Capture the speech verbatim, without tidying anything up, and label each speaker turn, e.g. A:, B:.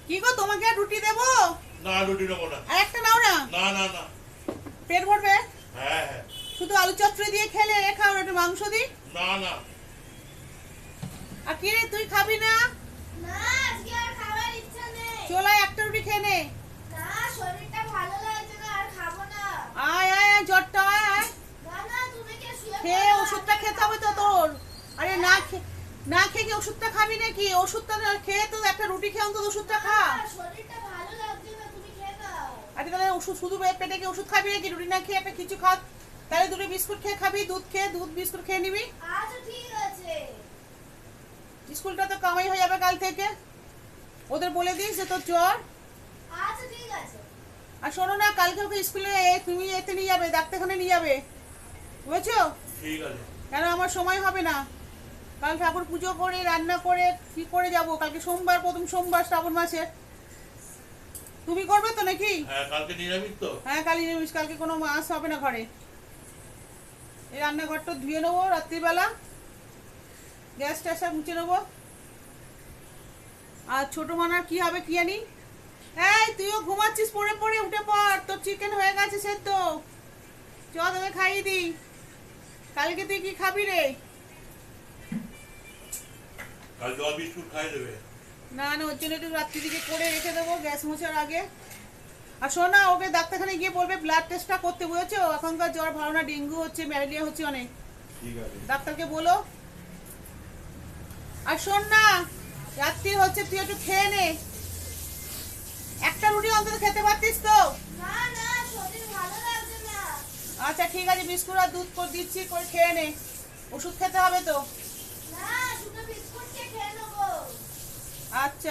A: কি গো তোমাকে আর রুটি দেবো?
B: না রুটি নেবো না।
A: আর একটা নাও না।
B: না না না।
A: পেট ভরবে?
B: হ্যাঁ হ্যাঁ।
A: শুধু আলু চচ্চড়ি দিয়ে খেলে খাও না, একটু মাংস দি।
B: না না।
A: আর কি রে তুই খাবি না?
C: না আজকে আর খাবার ইচ্ছা নেই।
A: চলো একটা রুটি খেয়ে নে।
C: না শরীরটা ভালো লাগছে না, আর খাবো না।
A: আয় আয় আয় জ্বরটা আয় আয়।
C: না না তুমি কি শুয়ে
A: খেয়ে
C: পড়ো,
A: ওষুধটা
C: আমি
A: খেতে
C: খাবো
A: হবে তো
C: না।
A: তোর। আরে না খে না খেয়ে কি ওষুধটা খাবি নাকি? ওষুধটা না খেয়ে তো একটা রুটি খেয়ে অন্তত ওষুধটা খা।
C: না, শরীরটা ভালো লাগছে না, তুমি খেয়ে নাও।
A: আরে তাহলে ওষুধ শুধু পেটে কি ওষুধ খাবি নাকি? রুটি না খেয়ে একটা কিছু খা। তাহলে দুটো বিস্কুট খেয়ে খাবি, দুধ খেয়ে দুধ বিস্কুট খেয়ে নিবি।
C: আচ্ছা ঠিক আছে।
A: স্কুলটা তো কামাই হয়ে যাবে কাল থেকে। ওদের বলে দিস যে তোর জ্বর।
C: আচ্ছা ঠিক আছে।
A: আর শোনো না, কালকে ওকে স্কুলে তুমি এতে নিয়ে যাবে, ডাক্তারখানে নিয়ে যাবে, বুঝেছো?
B: ঠিক আছে।
A: কেন আমার সময় হবে না। কাল ঠাকুর পুজো করে রান্না করে কি করে যাব? কালকে সোমবার, প্রথম সোমবার শ্রাবণ মাসের। তুমি করবে তো নাকি?
B: হ্যাঁ কালকে নিরামিষ তো।
A: হ্যাঁ কাল নিরামিষ, কালকে কোনো মাছ হবে না ঘরে। এই রান্নাঘরটা ধুয়ে নেবো রাত্রিবেলা, গ্যাস ট্যাসটা মুছে নেবো। আর ছোট মানার কি হবে কি জানি। এই তুইও ঘুমাচ্ছিস, পড়ে পড়ে উঠে পড়, তোর চিকেন হয়ে গেছে সেদ্ধ। চ তোকে খাইয়ে দিই। কালকে তুই কি খাবি রে?
B: কাল জল বিস্কুট খাই দেবে।
A: না না, ওর জন্য একটু রাত্রি দিকে করে রেখে দেবো গ্যাস মোছার আগে। আর শোন না, ওকে ডাক্তারখানে গিয়ে বলবে ব্লাড টেস্টটা করতে, বুঝেছো? এখনকার জ্বর ভালো না, ডেঙ্গু হচ্ছে, ম্যালেরিয়া হচ্ছে অনেক।
B: ঠিক আছে।
A: ডাক্তারকে বলো। আর শোন না, রাত্রি হচ্ছে, তুই একটু খেয়ে নে। একটা রুটি অন্তত খেতে পারতিস তো।
C: না না শরীর ভালো লাগছে না।
A: আচ্ছা ঠিক আছে, বিস্কুট আর দুধ করে দিচ্ছি, করে খেয়ে নে। ওষুধ খেতে হবে তো।
C: না শুধু বিস্কুট খেয়ে নেবো।
A: আচ্ছা।